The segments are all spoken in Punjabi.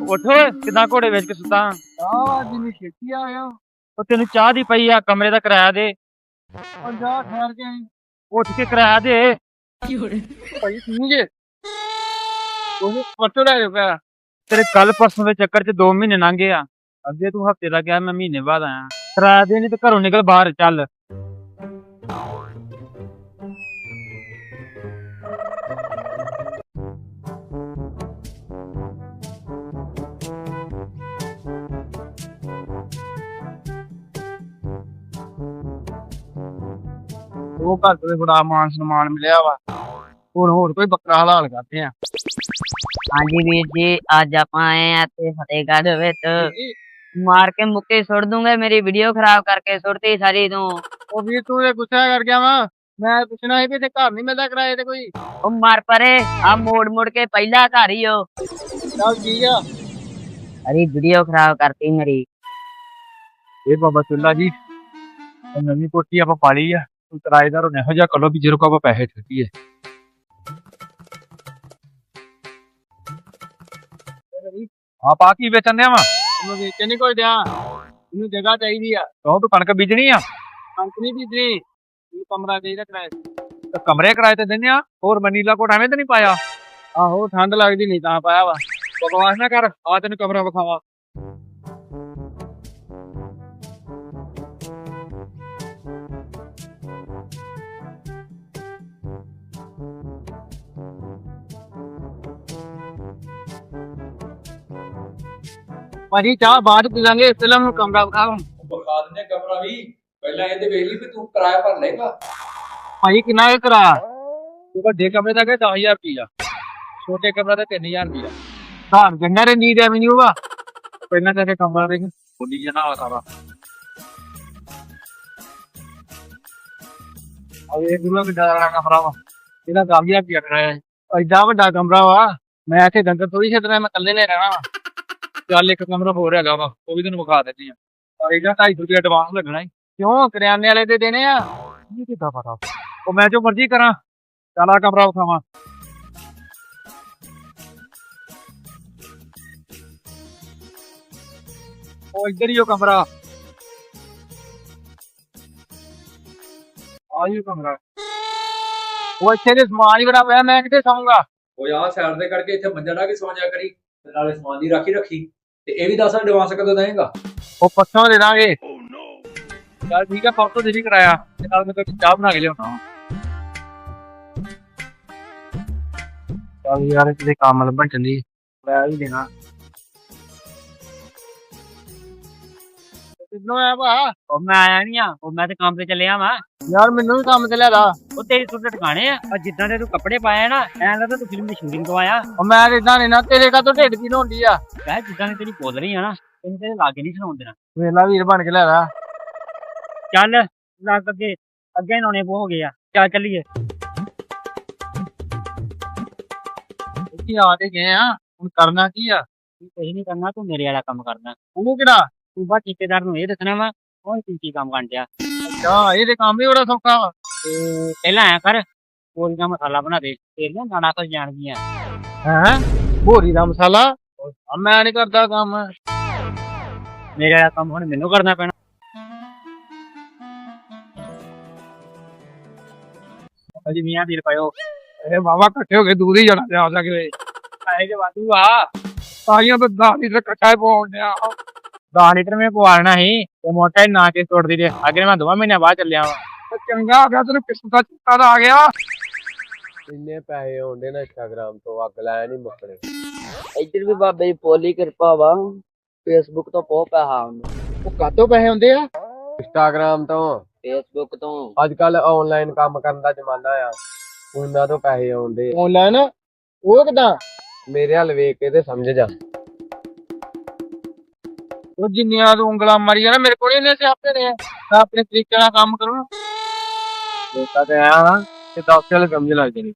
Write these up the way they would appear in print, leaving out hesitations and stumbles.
ਉੱਠ ਕਿਦਾਂ ਘੋੜੇ ਵੇਚ ਕੇ ਸੁੱਤਾ। ਚਾਹ ਜਿੰਨੀ ਛੇਤੀ ਆ ਗਿਆ। ਉਹ ਤੈਨੂੰ ਚਾਹ ਦੀ ਪਈ ਆ, ਕਮਰੇ ਦਾ ਕਿਰਾਇਆ ਦੇ। ਉਹ ਜਾ ਠਹਿਰ ਕੇ ਆਈ। ਉੱਠ ਕੇ ਕਿਰਾਇਆ ਦੇ। ਭਾਈ ਤੂੰ ਜੇ ਉਹ ਪਰਸੋਂ ਲੈ ਪਿਆ। ਤੇਰੇ ਕੱਲ ਪਰਸੋਂ ਦੇ ਚੱਕਰ 'ਚ 2 ਮਹੀਨੇ ਲੰਘ ਗਏ ਆ। ਅੱਗੇ ਤੂੰ ਹਫ਼ਤੇ ਦਾ ਗਿਆ, ਮੈਂ ਮਹੀਨੇ ਬਾਅਦ ਆਇਆ। ਕਿਰਾਇਆ ਦੇ, ਨਹੀਂ ਤੇ ਘਰੋਂ ਨਿਕਲ ਬਾਹਰ ਚੱਲ। ਉਹ ਘਰ ਤੋਂ ਬੜਾ ਮਾਨ ਸਨਮਾਨ ਮਿਲਿਆ ਵਾ। ਹੁਣ ਹੋਰ ਕੋਈ ਬੱਕਰਾ ਹਲਾਲ ਕਰਦੇ ਆ। ਹਾਂਜੀ ਵੀਰ ਜੀ, ਅੱਜ ਆਪਾਂ ਆਏ ਆ ਇੱਥੇ ਫਤਿਹਗੜ੍ਹ ਵਿੱਚ। ਮਾਰ ਕੇ ਮੁੱਕੇ ਸੁੱਟ ਦੂੰਗਾ, ਮੇਰੀ ਵੀਡੀਓ ਖਰਾਬ ਕਰਕੇ ਸੁੱਟਤੀ ਸਾਰੀ ਤੂੰ। ਉਹ ਵੀਰ ਤੂੰ ਤੇ ਗੁੱਸਾ ਕਰ ਗਿਆ ਵਾ। ਮੈਂ ਪੁੱਛਣਾ ਸੀ ਵੀ ਤੇ ਘਰ ਨਹੀਂ ਮਿਲਦਾ ਕਿਰਾਏ ਤੇ ਕੋਈ। ਉਹ ਮਰ ਪਰੇ, ਆ ਮੋੜ ਮੁੜ ਕੇ ਪਹਿਲਾ ਘਰ ਹੀ ਉਹ। ਚੱਲ ਠੀਕ ਆ। ਅਰੇ ਵੀਡੀਓ ਖਰਾਬ ਕਰਤੀ ਮੇਰੀ। ਇਹ ਬਾਬਾ ਚੁੱਲਾ ਜੀ, ਨਵੀਂ ਕੋਠੀ ਆਪਾਂ ਪਾ ਲਈ ਆ। ਤੂੰ ਕਿਰਾਏਦਾਰ ਇਹੋ ਜਿਹਾ ਕਰੋ ਵੀ ਜਿਹਦੇ ਕੋਲ ਆਪਾਂ ਪੈਸੇ ਠੱਗੀਏ। ਆਪ ਆ ਕੀ ਵੇਚਣ ਦਿਆ ਵਾ? ਉਹਨੂੰ ਵੇਚਣ ਨਹੀਂ ਕੋਈ ਦਿਆ। ਇਹਨੂੰ ਜਗ੍ਹਾ ਚਾਹੀਦੀ ਆ। ਤੂੰ ਕਣਕ ਬੀਜਣੀ ਆ? ਕਣਕ ਨਹੀਂ ਬੀਜਣੀ, ਇਹਨੂੰ ਕਮਰਾ ਚਾਹੀਦਾ ਕਿਰਾਏ ਤੇ। ਤੇ ਕਮਰੇ ਕਿਰਾਏ ਤੇ ਦਿੰਦੇ ਆ। ਹੋਰ ਮਨੀਲਾ ਕੋਟ ਐਵੇਂ ਤੇ ਨਹੀਂ ਪਾਇਆ? ਆਹੋ ਠੰਡ ਲੱਗਦੀ ਨਹੀਂ ਤਾਂ ਪਾਇਆ ਵਾ। ਬਕਵਾਸ ਨਾ ਕਰ, ਆ ਤੈਨੂੰ ਕਮਰਾ ਵਿਖਾਵਾ। ਭਾਜੀ ਚਾਹ ਬਾਅਦ ਪੀ ਲਾਂਗੇ, ਪਹਿਲਾਂ ਮੈਨੂੰ ਕਮਰਾ ਵਿਖਾ। ਵਿਖਾ ਦਿੰਦੇ ਕਮਰਾ ਵੀ। ਪਹਿਲਾਂ ਇਹਦੇ ਵੇਖ ਲਈ ਵੀ ਤੂੰ ਕਿਰਾਇਆ ਭਰ ਲੇਗਾ। ਭਾਜੀ ਕਿੰਨਾ ਕੁ ਕਰਾ? ਵੱਡੇ ਕਮਰੇ ਦਾ ਕਿ 10,000 ਰੁਪਈਆ, ਛੋਟੇ ਕਮਰਾ ਦਾ 3,000 ਰੁਪਈਆ। ਘਰ ਜੰਨਾ ਰਣਜੀਤ ਐਵਨਿਊ ਵਾ। ਪਹਿਲਾਂ ਤਾਂ ਇਹ ਕਮਰਾ ਦੇਖ, ਬੋਲੀ ਜਾਣਾ ਵਾ ਸਾਰਾ। ਇਹ ਗੁਰੂ ਕਿੱਡਾ ਦਾ ਕਮਰਾ ਵਾ। ਇਹਦਾ 10,000 ਰੁਪਇਆ ਕਰਾਇਆ। ਐਡਾ ਵੱਡਾ ਕਮਰਾ ਵਾ। ਮੈਂ ਇੱਥੇ ਡੰਗਰ ਥੋੜੀ ਛੱਡਣਾ, ਮੈਂ ਇਕੱਲੇ ਨੇ ਰਹਿਣਾ ਵਾ। ਚੱਲ ਇੱਕ ਕਮਰਾ ਹੋਰ ਹੈਗਾ ਵਾ, ਉਹ ਵੀ ਤੈਨੂੰ ਵਿਖਾ ਦਿੰਦੇ ਆ। ਪਰ ਇਹਦਾ 250 ਰੁਪਇਆ ਐਡਵਾਂਸ ਲੱਗਣਾ ਈ। ਕਿਉਂ ਕਰਿਆਨੇ ਵਾਲੇ ਦੇ ਦੇਣੇ ਆ? ਇਹ ਕਿੱਦਾਂ ਪਤਾ? ਉਹ ਮੈਂ ਜੋ ਮਰਜ਼ੀ ਕਰਾਂ। ਚੱਲ ਆ ਕਮਰਾ ਵਿਖਾਵਾਂ। ਉਹ ਇੱਧਰ ਹੀ ਉਹ ਕਮਰਾ। ਆਹੀ ਕਮਰਾ। ਉਹ ਇੱਥੇ ਦੇ ਸਮਾਨ ਹੀ ਬੜਾ ਪਿਆ, ਮੈਂ ਕਿੱਥੇ ਸੌਂਗਾ? ਉਹ ਆਹ ਸਾਈਡ ਦੇ ਕਰਕੇ ਇੱਥੇ ਮੰਜਾ ਢਾ ਕੇ ਸੌਂ ਜਾ ਕਰੀ ਤੇ ਨਾਲੇ ਸਮਾਨ ਦੀ ਰਾਖੀ ਰੱਖੀ। ਤੇ ਇਹ ਵੀ ਦੱਸ ਐਡਵਾਂਸ ਕਦੋਂ ਦੇਏਗਾ? ਉਹ ਪੱਛੋਂ ਦੇ ਦਾਂਗੇ। ਚੱਲ ਠੀਕ ਆ, ਫੋਟੋ ਦੇ ਵੀ ਕਰਾਇਆ ਤੇ ਨਾਲ ਮੈਂ ਤਾਂ ਚਾਹ ਬਣਾ ਕੇ ਲਿਆਉਣਾ। ਚੱਲ ਯਾਰ ਕਿਤੇ ਕੰਮ ਲੱਭਣ ਚੱਲੀ, ਮੈਂ ਵੀ ਦੇਣਾ। ਕਿੱਦੋਂ ਆਇਆ ਭਾ? ਉਹ ਮੈਂ ਆਇਆ ਨੀ ਆ, ਉਹ ਮੈਂ ਤੇ ਕੰਮ ਤੇ ਚੱਲਿਆ ਵਾਂ। ਯਾਰ ਮੈਨੂੰ ਵੀ ਕੰਮ ਤੇ ਲਿਆ ਦਾ। ਉਹ ਤੇਰੀ ਸੁੱਟ ਟਿਕਾਣੇ ਆ, ਔਰ ਜਿੱਦਾਂ ਦੇ ਤੂੰ ਕੱਪੜੇ ਪਾਏ ਨਾ, ਐਂ ਲੱਗਦਾ ਤੂੰ ਫਿਲਮ ਦੀ ਸ਼ੂਟਿੰਗ ਤੋਂ ਆਇਆ। ਉਹ ਮੈਂ ਇਦਾਂ ਨਹੀਂ ਨਾ, ਤੇਰੇ ਕਾ ਤੋਂ ਢਿੱਡ ਪੀੜ ਹੁੰਦੀ ਆ। ਵੈਸੇ ਜਿੱਦਾਂ ਦੀ ਤੇਰੀ ਬੋਲ ਰਹੀ ਆ ਨਾ, ਤੈਨੂੰ ਤੇਰੇ ਲਾਗੇ ਨਹੀਂ ਸੁਣਾਉਣ ਦੇਣਾ। ਵੇਲਾ ਵੀਰ ਬਣ ਕੇ ਲਿਆ ਦਾ। ਚੱਲ ਲੱਗ ਅੱਗੇ ਨੌਣੇ ਹੋ ਗਏ ਆ, ਚੱਲ ਚੱਲੀਏ। ਇੱਥੇ ਆ ਤੇ ਗਏ ਆ, ਹੁਣ ਕਰਨਾ ਕੀ ਆ? ਤੂੰ ਕੁਝ ਨਹੀਂ ਕਰਨਾ, ਤੂੰ ਮੇਰੇ ਵਾਲਾ ਕੰਮ ਕਰਨਾ। ਉਹਨੂੰ ਕਿਹੜਾ? ਤੂੰ ਬਸ ਠੇਕੇਦਾਰ ਨੂੰ ਇਹ ਦੱਸਣਾ ਵਾ ਉਹ ਕੀ ਕੰਮ ਕਰਨ ਡਿਆ। ਅੱਛਾ ਇਹ ਤੇ ਕੰਮ ਹੀ ਬੜਾ ਸੌਖਾ ਵਾ। ਤੇ ਪਹਿਲਾਂ ਐਂ ਕਰ, ਕੋਲੀ ਦਾ ਮਸਾਲਾ ਬਣਾ ਦੇ, ਤੇਰੇ ਨਾ ਨਾਣਾ ਤੋਂ ਜਾਣਗੀਆਂ। ਹੈਂ ਭੋਰੀ ਦਾ ਮਸਾਲਾ? ਮੈਂ ਨਹੀਂ ਕਰਦਾ ਕੰਮ। ਮੇਰੇ ਵਾਲਾ ਕੰਮ ਹੁਣ ਮੈਨੂੰ ਕਰਨਾ ਪੈਣਾ। ਅਜੀ ਮੀਆਂ ਵੀਰ ਪਾਇਓ। ਇਹ ਬਾਬਾ ਇਕੱਠੇ ਹੋ ਕੇ ਦੂਰ ਹੀ ਜਾਣਾ ਜਾ ਸਕਦੇ। ਪੈਸੇ ਦੇ ਵਾਧੂ ਆ। ਸਾਈਆਂ ਤਾਂ 10 ਲੀਟਰ ਇਕੱਠਾ ਹੀ ਪਾਉਣ ਡਿਆ। 10 ਲੀਟਰ ਮੈਂ ਪਵਾਣਾ ਸੀ ਤੇ ਮੋਟਾ ਨਾ ਕੇ ਤੋੜਦੀ ਦੇ। ਅੱਗੇ ਮੈਂ 2 ਮਹੀਨੇ ਬਾਅਦ ਚੱਲਿਆ ਵਾ। ਚੰਗਾ ਹੋ ਗਿਆ ਤੈਨੂੰ ਕਿਸਮ ਦਾ ਚਿੱਟਾ ਦਾ ਆ ਗਿਆ। ਇੰਨੇ ਪੈਸੇ ਆਉਂਦੇ ਨਾ ਇੰਸਟਾਗ੍ਰਾਮ ਤੋਂ, ਅੱਗ ਲਾਇਆ ਨਹੀਂ ਮੁੱਕਣੇ। ਇੱਧਰ ਵੀ ਬਾਬੇ ਦੀ ਪੋਲੀ ਕਿਰਪਾ ਵਾ, ਫੇਸਬੁੱਕ ਤੋਂ ਬਹੁਤ ਪੈਸਾ ਆਉਂਦਾ। ਉਹ ਕਾਤੋਂ ਪੈਸੇ ਹੁੰਦੇ ਆ? ਇੰਸਟਾਗ੍ਰਾਮ ਤੋਂ, ਫੇਸਬੁੱਕ ਤੋਂ। ਅੱਜ ਕੱਲ ਆਨਲਾਈਨ ਕੰਮ ਕਰਨ ਦਾ ਜ਼ਮਾਨਾ ਆ, ਉਹਨਾਂ ਤੋਂ ਪੈਸੇ ਆਉਂਦੇ। ਆਨਲਾਈਨ? ਉਹ ਕਿਦਾਂ? ਮੇਰੇ ਹੱਲ ਵੇਖ ਕੇ ਤੇ ਸਮਝ ਜਾ। ਉਹ ਜਿੰਨੀਆਂ ਤੂੰ ਉਂਗਲਾਂ ਮਾਰੀਆਂ ਨਾ, ਮੇਰੇ ਕੋਲ ਹੀ ਨੇ ਸਿਆਪੇ ਨੇ। ਮੈਂ ਆਪਣੇ ਤਰੀਕੇ ਨਾਲ ਕੰਮ ਕਰੂੰ। ਦੇਖਾ ਤੇ ਆਇਆ ਤੇ 10 ਸਾਲ ਸਮਝ ਲੱਗ ਜਾਣੀ।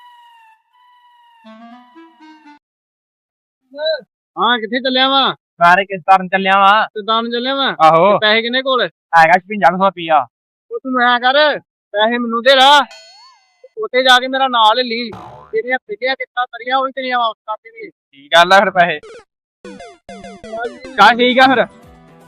ਹਾਂ ਕਿੱਥੇ ਚੱਲਿਆ ਵਾ? ਸਾਰੇ ਕਿਸ ਤਰਨ ਚੱਲਿਆ ਵਾ। ਸਿੱਧਾਂ ਨੂੰ ਚੱਲਿਆ ਵਾ। ਆਹੋ ਪੈਸੇ ਕਿੰਨੇ ਕੋਲ? ਹੈਗਾ 5500 ਰੁਪਈਆ। ਉਹ ਤੂੰ ਮੈਂ ਕਰ, ਪੈਸੇ ਮੈਨੂੰ ਦੇ ਰਾ, ਉੱਥੇ ਜਾ ਕੇ ਮੇਰਾ ਨਾਂ ਲੈ ਲਈ। ਤੇਰੀਆਂ ਫਿੱਟੀਆਂ ਕਿੱਦਾਂ ਕਰੀਆਂ ਉਹ ਵੀ ਤੇਰੀਆਂ ਵਾਪਸ ਕਰ ਦੇਣੀ। ਕੀ ਗੱਲ ਆ ਫਿਰ ਪੈਸੇ? ਚੱਲ ਠੀਕ ਆ ਫਿਰ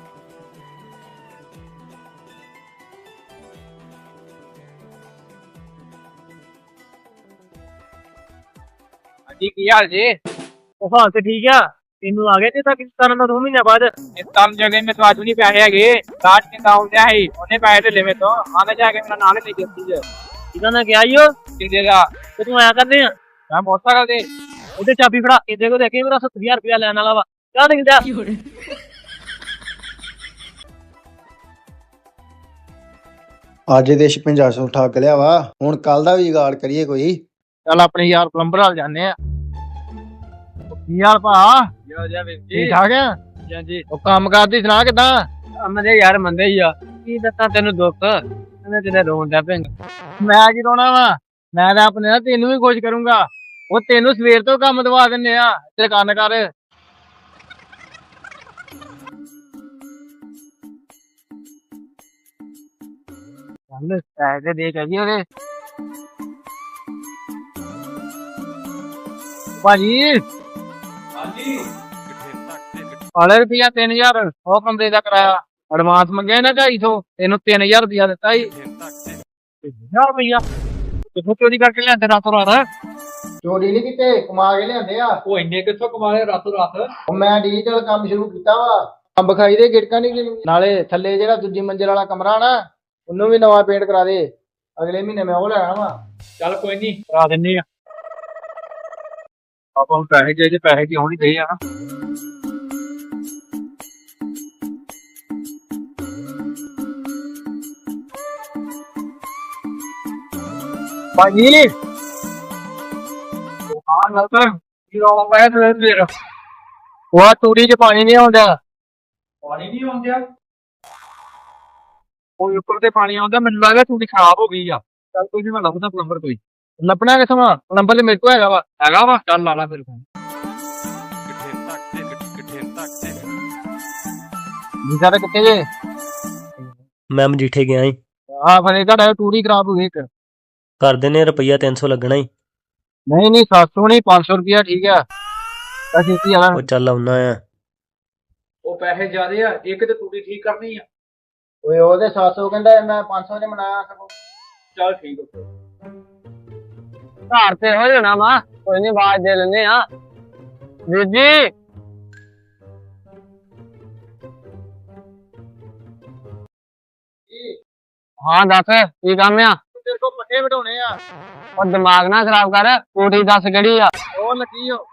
ਹਾਂਜੀ ਕੀ ਹਾਲ ਜੀ? ਉਹ ਹਾਲ ਤੇ ਠੀਕ ਆ ਤੈਨੂੰ ਆ ਗਏ ਤੇ ਤਾਂ ਕਿਸ ਦਾ 2 ਮਹੀਨੇ ਬਾਅਦ ਇਸ ਕੰਮ ਜਗ੍ਹਾ ਮੇ ਤੁਹਾਨੂੰ ਨਹੀਂ ਪੈਸੇ ਹੈਗੇ ਕਾਟ ਕੇ ਕਾਉਂ ਲਿਆ ਹੈ ਉਹਨੇ ਪੈਸੇ ਤੇ ਲੈਵੇਂ ਤੋਂ ਆਨੇ ਜਾ ਕੇ ਮੇਰਾ ਨਾਲ ਲੈ ਕੇ ਸੀ ਇਹਦਾ ਨਾ ਕਿਹਾ ਈਓ ਕਿ ਦੇਗਾ ਤੇ ਤੂੰ ਆਇਆ ਕਰਨੇ ਆ ਮੈਂ ਮੋਟਰਸਾਈਕਲ ਤੇ ਉਹਦੇ ਚਾਬੀ ਫੜਾ ਇਹਦੇ ਕੋਲ ਦੇਖੇ ਮੇਰਾ 70000 ਰੁਪਇਆ ਲੈਣ ਵਾਲਾ ਵਾ ਕਿਆ ਦਿੰਦਾ ਅੱਜ ਦੇ 5600 ਠੱਗ ਲਿਆ ਵਾ ਹੁਣ ਕੱਲ ਦਾ ਵੀ ਜੁਗਾੜ ਕਰੀਏ ਕੋਈ। ਚੱਲ ਆਪਣੇ ਯਾਰ ਪਲੰਬਰ ਹਾਲ ਜਾਂਦੇ ਆ ਕੀ ਹਾਲ ਭਾ ਠੀਕ ਠਾਕ ਆ ਹਾਂਜੀ ਉਹ ਕੰਮ ਕਰਦੀ ਸੁਣਾ ਕਿਦਾਂ ਅਮਦੇ ਯਾਰ ਮੰਦੇ ਹੀ ਆ ਕੀ ਦੱਸਾਂ ਤੈਨੂੰ ਦੁੱਖ ਇਹਨੇ ਤੇਰੇ ਰੋਣ ਦਾ ਪਿੰਗ ਮੈਂ ਕੀ ਰੋਣਾ ਵਾ ਮੈਂ ਤਾਂ ਆਪਣੇ ਨਾਲ ਤੈਨੂੰ ਵੀ ਖੁਸ਼ ਕਰੂੰਗਾ ਉਹ ਤੈਨੂੰ ਸਵੇਰ ਤੋਂ ਕੰਮ ਦਵਾ ਦਿੰਨੇ ਆ ਤੇਰੇ ਕੰਨ ਕਰ ਚੱਲ ਪੈਸੇ ਦੇ ਕੇ ਜੀ ਉਹਦੇ ਭਾਜੀ ਹਾਂਜੀ ਵਾਲੇ ਰੁਪਿਆ 3000 ਉਹ ਕਮਰੇ ਦਾ ਕਰਾਇਆ ਐਡਵਾਂਸ ਮੰਗਿਆ ਨਾ 250 ਤੈਨੂੰ 3000 ਰੁਪਿਆ ਦਿੱਤਾ ਸੀ 1000 ਰੁਪਇਆ ਕਿੱਥੋਂ ਚੋਰੀ ਕਰਕੇ ਲਿਆਂਦੇ ਰਾਤੋਂ ਰਾਤ ਚੋਰੀ ਨਹੀਂ ਕੀਤੇ ਕਮਾ ਕੇ ਲਿਆਂਦੇ ਆ। ਉਹ ਇੰਨੇ ਕਿੱਥੋਂ ਕਮਾ ਲਏ ਰਾਤੋਂ ਰਾਤ ਉਹ ਮੈਂ ਡਿਜੀਟਲ ਕੰਮ ਸ਼ੁਰੂ ਕੀਤਾ ਵਾ। ਅੰਬ ਖਾਈ ਦੇ ਗਿੜਕਾਂ ਨਹੀਂ ਨਾਲੇ ਥੱਲੇ ਜਿਹੜਾ ਦੂਜੀ ਮੰਜ਼ਿਲ ਵਾਲਾ ਕਮਰਾ ਨਾ ਉਹਨੂੰ ਵੀ ਨਵਾਂ ਪੇਂਟ ਕਰਾ ਦੇ। ਅਗਲੇ ਮਹੀਨੇ ਮੈਂ ਉਹ ਲੈਣਾ ਵਾ। ਚੱਲ ਕੋਈ ਨਹੀਂ ਕਰਾ ਦਿੰਨੇ ਆ ਆਪਾਂ ਨੂੰ ਪੈਸੇ ਚਾਹੀਦੇ ਪੈਸੇ ਦੀ ਹੋਣੀ ਚਾਹੀਦੀ ਆ ਨਾ ਭਾਜੀ ਹਾਂ ਨਲਤਰ ਕੀ ਰੌਲਾ ਪਾਇਆ ਤੇ ਫੇਰ ਉਹ ਤੂੜੀ 'ਚ ਪਾਣੀ ਨਹੀਂ ਆਉਂਦਾ ਪਾਣੀ ਨਹੀਂ ਆਉਂਦਿਆ ਉਹ ਉੱਪਰ ਤੇ ਪਾਣੀ ਆਉਂਦਾ ਮੈਨੂੰ ਲੱਗਦਾ ਥੋੜੀ ਖਰਾਬ ਹੋ ਗਈ ਆ ਚੱਲ ਕੋਈ ਨੀ ਮੈਂ ਲੱਭਦਾ ਪਲੰਬਰ ਕੋਈ ਲੱਭਣਾ ਕਿੱਥੋਂ ਆ ਨੰਬਰ ਮੇਰੇ ਕੋਲ ਹੈਗਾ ਵਾ ਹੈਗਾ ਵਾ ਚੱਲ ਲਾ ਲਾ ਫਿਰ ਜੀ ਸਾਰੇ ਕਿੱਥੇ ਜੇ ਮੈਂ ਮਜੀਠੇ ਗਿਆ ਈ ਆ ਫਿਰ ਤੁਹਾਡਾ ਤੂੜੀ ਖਰਾਬ ਹੋ ਗਈ ਇੱਕ ਕਰ ਦਿੰਨੇ ਰੁਪਈਆ 300 ਲੱਗਣਾ ਈ ਨਹੀਂ 700 ਨਹੀਂ 500 ਰੁਪਿਆ ਠੀਕ ਆ ਅਸੀਂ ਕੀ ਆਣਾ ਉਹ ਚੱਲ ਆਉਣਾ ਆ ਉਹ ਪੈਸੇ ਜ਼ਿਆਦੇ ਆ ਇੱਕ ਤੇ ਤੂੜੀ ਠੀਕ ਕਰਨੀ ਆ ਓਏ ਉਹਦੇ 700 ਕਹਿੰਦਾ ਮੈਂ 500 ਦੇ ਮਨਾਇਆ ਸਗੋਂ। ਚੱਲ ਠੀਕ ਆ ਘਰ ਤੇ ਹੋ ਜਾਣਾ ਵਾ ਕੋਈ ਨਹੀਂ ਆਵਾਜ਼ ਦੇ ਲੈਨੇ ਆ ਵੀਰ ਜੀ ਹਾਂ ਦੱਸ ਕੀ ਕੰਮ ਆ ਤੇਰੇ ਕੋਲ ਪੱਠੇ ਵਢਾਉਣੇ ਆ ਉਹ ਦਿਮਾਗ ਨਾ ਖਰਾਬ ਕਰ ਕੋਠੀ ਦੱਸ ਕਿਹੜੀ ਆ ਉਹ ਲੱਗੀ ਓ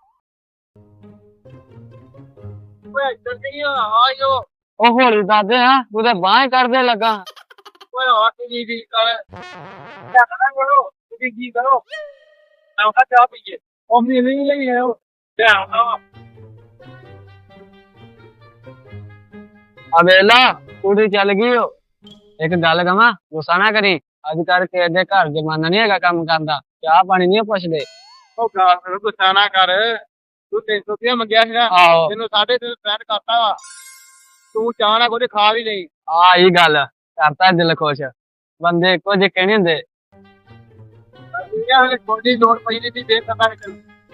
ਓਏ ਇੱਧਰ ਨਹੀਂ ਆ ਆਇਓ ਉਹ ਹੌਲੀ ਦੱਸਦੇ ਆ ਤੂੰ ਤੇ ਬਾਂਹ ਕਰਦੇ ਲੱਗਾ ਓਏ ਆ ਕੀ ਜੀ ਕਰ ਕਰਨਾ ਕਰੋ ਤੁਸੀਂ ਕੀ ਕਰੋ ਮੈਂ ਉਹਦਾ ਚਾਹ ਪੀਏ ਉਹ ਮੈਨੂੰ ਨਹੀਂ ਲਈ ਆਇਓ ਧਿਆਨ ਨਾਲ ਆ ਵੇਲਾ ਕੁੜੀ ਚੱਲ ਗਈ ਓ ਇੱਕ ਗੱਲ ਕਵਾਂ ਗੁੱਸਾ ਨਾ ਕਰੀ ਅੱਜ ਕੱਲ ਕਿਸੇ ਦੇ ਘਰ ਜਮਾਨਾ ਨਹੀਂ ਹੈਗਾ ਕੰਮ ਕਰਨ ਦਾ ਚਾਹ ਪਾਣੀ ਨਹੀਂ ਪੁੱਛਦੇ ਉਹ ਗਾਲ ਗੁੱਸਾ ਨਾ ਕਰ ਤੂੰ 300 ਰੁਪਇਆ ਮੰਗਿਆ ਸੀਗਾ ਆਹੋ ਤੈਨੂੰ 350 ਸੈਂਡ ਕਰਤਾ ਵਾ ਤੂੰ ਚਾਹ ਨਾ ਕੋਈ ਖਾ ਵੀ ਲਈ ਆ ਇਹ ਗੱਲ ਕਰਤਾ ਦਿਲ ਖੁਸ਼ ਬੰਦੇ ਇੱਕੋ ਜਿਹੇ ਕਹਿਣੇ ਹੁੰਦੇ ਇਹ ਹਲੇ ਕੋਈ ਲੋੜ ਪਈ ਨਹੀਂ ਸੀ ਦੇ ਸਕਦਾ ਹੈ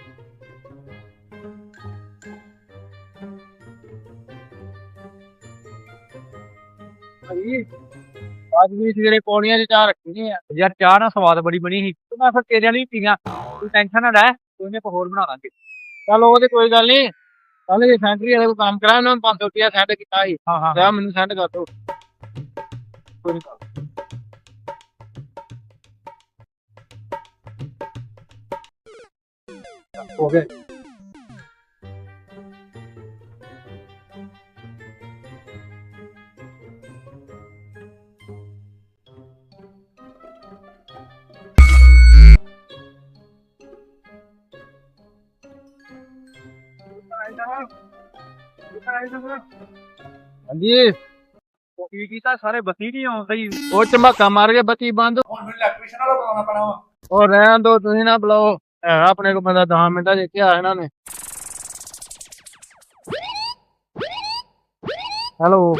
ਭਾਈ ਅੱਜ ਵੀ ਸਵੇਰੇ ਪੌੜੀਆਂ 'ਚ ਚਾਹ ਰੱਖੀ ਆ ਯਾਰ ਚਾਹ ਨਾਲ ਸਵਾਦ ਬੜੀ ਬਣੀ ਸੀ ਤੇ ਮੈਂ ਫਿਰ ਤੇਰੇ ਲਈ ਪੀਗਾ ਤੂੰ ਟੈਨਸ਼ਨ ਨਾ ਲੈ ਕੋਈ ਨੇ ਹੋਰ ਬਣਾ ਲਾਂਗੇ ਚੱਲ ਉਹ ਤੇ ਕੋਈ ਗੱਲ ਨਹੀਂ ਕੱਲ ਜੇ ਸੈਂਟਰੀ ਵਾਲੇ ਕੋਲ ਕੰਮ ਕਰਾਇਆ ਉਹਨਾਂ ਨੂੰ 500 ਰੁਪਇਆ ਸੈਂਡ ਕੀਤਾ ਸੀ ਹਾਂ ਹਾਂ ਤੇ ਮੈਨੂੰ ਸੈਂਡ ਕਰ ਦੋ ਕੋਈ ਨੀ ਹੋ ਗਏ ਹਾਂਜੀ ਉਹ ਕੀ ਕੀਤਾ ਸਾਰੇ ਬੱਤੀ ਨਹੀਂ ਆਉਂਦੀ ਉਹ ਝਮੱਕਾ ਮਾਰ ਕੇ ਬੱਤੀ ਬੰਦ ਹੁਣ ਮੈਨੂੰ ਇਲੈਕਟ੍ਰੀਸ਼ੀਅਨ ਵਾਲਾ ਬੁਲਾਉਣਾ ਪੈਣਾ ਵਾ ਉਹ ਰਹਿਣ ਦੋ ਤੁਸੀਂ ਨਾ ਬੁਲਾਓ ਆਪਣੇ ਕੋਲ ਬੰਦਾ 10 ਮਿੰਟਾਂ 'ਚ ਇੱਥੇ ਆ ਇਹਨਾਂ ਨੇ ਹੈਲੋ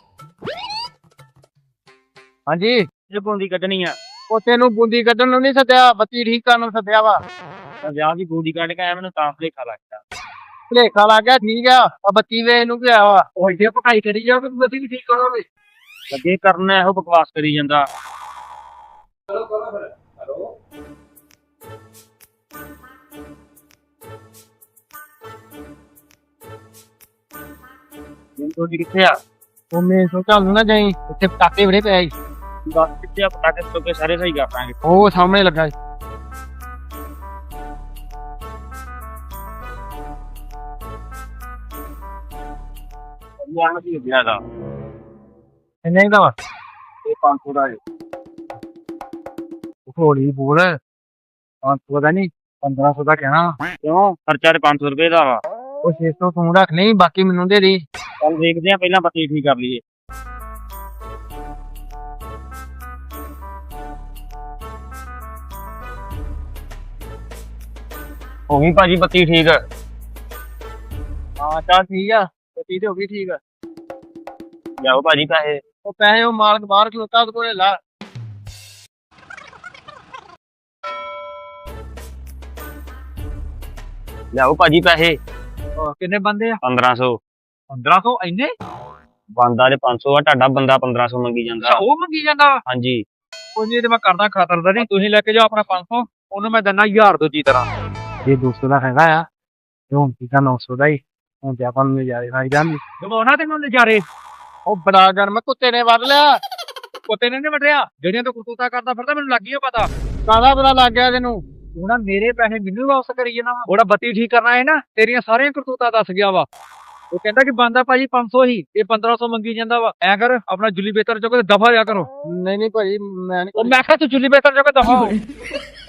ਹਾਂਜੀ ਇਹ ਬੂੰਦੀ ਕੱਢਣੀ ਆ ਉਹ ਤੈਨੂੰ ਬੂੰਦੀ ਕੱਢਣ ਨੂੰ ਨਹੀਂ ਸੱਦਿਆ ਬੱਤੀ ਠੀਕ ਕਰਨ ਨੂੰ ਸੱਦਿਆ ਵਾ ਵਿਆਹ ਦੀ ਬੂੰਦੀ ਕੱਢ ਕੇ ਆਇਆ ਮੈਨੂੰ ਤਾਂ ਭਲੇਖਾ ਲੱਗਦਾ ਭਲੇਖਾ ਲੱਗ ਗਿਆ ਠੀਕ ਆ ਆ ਬੱਤੀ ਵੇ ਇਹਨੂੰ ਕੀ ਆ ਵਾ ਉਹ ਇੱਥੇ ਪਕਾਈ ਕਰੀ ਜਾ ਤੂੰ ਬੱਤੀ ਵੀ ਠੀਕ ਕਰੋਗੇ ਲੱਗੇ ਕਰਨਾ ਇਹੋ ਬਕਵਾਸ ਕਰੀ ਜਾਂਦਾ ਚਲੋ ਕਰੋ ਫਿਰ ਹੈਲੋ ਮੈਨੂੰ ਕਿੱਥੇ ਆ ਉਹ ਮੇਰੇ ਤੋਂ ਚੱਲ ਨਾ ਜਾਈ ਇੱਥੇ ਪਟਾਕੇ ਬੜੇ ਪਏ ਸੀ। ਦੱਸ ਕਿੱਥੇ ਆ ਪਟਾਕੇ ਤੋਂ ਕੇ ਸਾਰੇ ਸਹੀ ਕਰ ਦਾਂਗੇ ਉਹ ਸਾਹਮਣੇ ਲੱਗਾ ਸੀ। ਯਾਰ ਕੀ ਗਿਆ ਦਾ ਇੰਨੇ ਦਾ ਵਾ ਇਹ 500 ਦਾ ਹੌਲੀ ਬੋਲ 500 ਦਾ ਨਹੀਂ 1500 ਦਾ ਕਹਿਣਾ ਕਿਉਂ ਖਰਚਾ ਤੇ 500 ਰੁਪਏ ਦਾ ਵਾ ਉਹ 600 ਤੂੰ ਰੱਖ ਲਈ ਬਾਕੀ ਮੈਨੂੰ ਦੇ ਦੇ ਚੱਲ ਦੇਖਦੇ ਆ ਪਹਿਲਾਂ ਬੱਤੀ ਠੀਕ ਕਰ ਲਈਏ ਹੋ ਗਈ ਭਾਜੀ ਬੱਤੀ ਠੀਕ। ਹਾਂ ਚੱਲ ਠੀਕ ਆ ਬੱਤੀ ਤੇ ਹੋ ਗਈ ਠੀਕ ਆ ਲਿਆਓ ਭਾਜੀ ਪੈਸੇ। ਉਹ ਪੈਸੇ ਉਹ ਮਾਲਕ ਬਾਹਰ ਖਲੋਤਾ ਉਹਦੇ ਕੋਲੇ ਲਾ ਲਿਆਓ ਭਾਜੀ ਪੈਸੇ। ਕਿੰਨੇ ਬੰਦੇ ਆ 1500 1500 ਇੰਨੇ ਬੰਦਾ ਦੇ 500 ਆ, ਤੁਹਾਡਾ ਬੰਦਾ 1500 ਮੰਗੀ ਜਾਂਦਾ। ਉਹ ਮੰਗੀ ਜਾਂਦਾ ਵਾ ਹਾਂਜੀ ਕੋਈ ਨਹੀਂ ਤੇ ਮੈਂ ਕਰਦਾ ਖਾਤਰਦਾਰੀ ਤੁਸੀਂ ਲੈ ਕੇ ਜਾਓ ਆਪਣਾ 500 ਉਹਨੂੰ ਮੈਂ ਦਿੰਦਾ 1000 ਦੂਜੀ ਤਰ੍ਹਾਂ ਇਹ 200 ਦਾ ਹੈਗਾ ਆ ਤੇ ਹੁਣ ਠੀਕ ਆ 900 ਦਾ ਹੀ ਹੁਣ ਤੇ ਆਪਾਂ ਨੂੰ ਨਜ਼ਾਰੇ ਖਾਈ ਜਾਂਦੀ ਜਮਾਉਣਾ ਤੇ ਮੈਨੂੰ ਨਜ਼ਾਰੇ ਉਹ ਬੜਾ ਗਰਮ ਕੁੱਤੇ ਨੇ ਵੱਢ ਲਿਆ ਕੁੱਤੇ ਨੇ ਨੀ ਵੱਢਿਆ ਜਿਹੜੀਆਂ ਤੋਂ ਕੁੱਤਾ ਕਰਦਾ ਫਿਰਦਾ ਮੈਨੂੰ ਲੱਗ ਗਿਆ ਪਤਾ ਕਾਹਦਾ ਪਤਾ ਲੱਗ ਗਿਆ ਤੈਨੂੰ ਤੂੰ ਨਾ ਮੇਰੇ ਪੈਸੇ ਮੈਨੂੰ ਵਾਪਸ ਕਰੀ ਜਾਣਾ ਵਾ ਉਹਦਾ ਬੱਤੀ ਠੀਕ ਕਰਨਾ ਹੈ ਨਾ ਤੇਰੀਆਂ ਸਾਰੀਆਂ ਕਰਤੂਤਾਂ ਦੱਸ ਗਿਆ ਵਾ ਉਹ ਕਹਿੰਦਾ ਕਿ ਬੰਦਾ ਭਾਜੀ 500 ਹੀ ਇਹ 1500 ਮੰਗੀ ਜਾਂਦਾ ਵਾ ਐ ਕਰ ਆਪਣਾ ਜੁਲੀ ਬੇਤਰ ਚੋਂ ਦਫਾ ਜਾ ਕਰੋ ਨਹੀਂ ਨਹੀਂ ਭਾਜੀ ਮੈਂ ਨਹੀਂ ਉਹ ਮੈਂ ਕਿਹਾ ਤੂੰ ਜੁਲੀ ਬੇਤਰ ਚੋਂ ਦਫਾ ਹੋ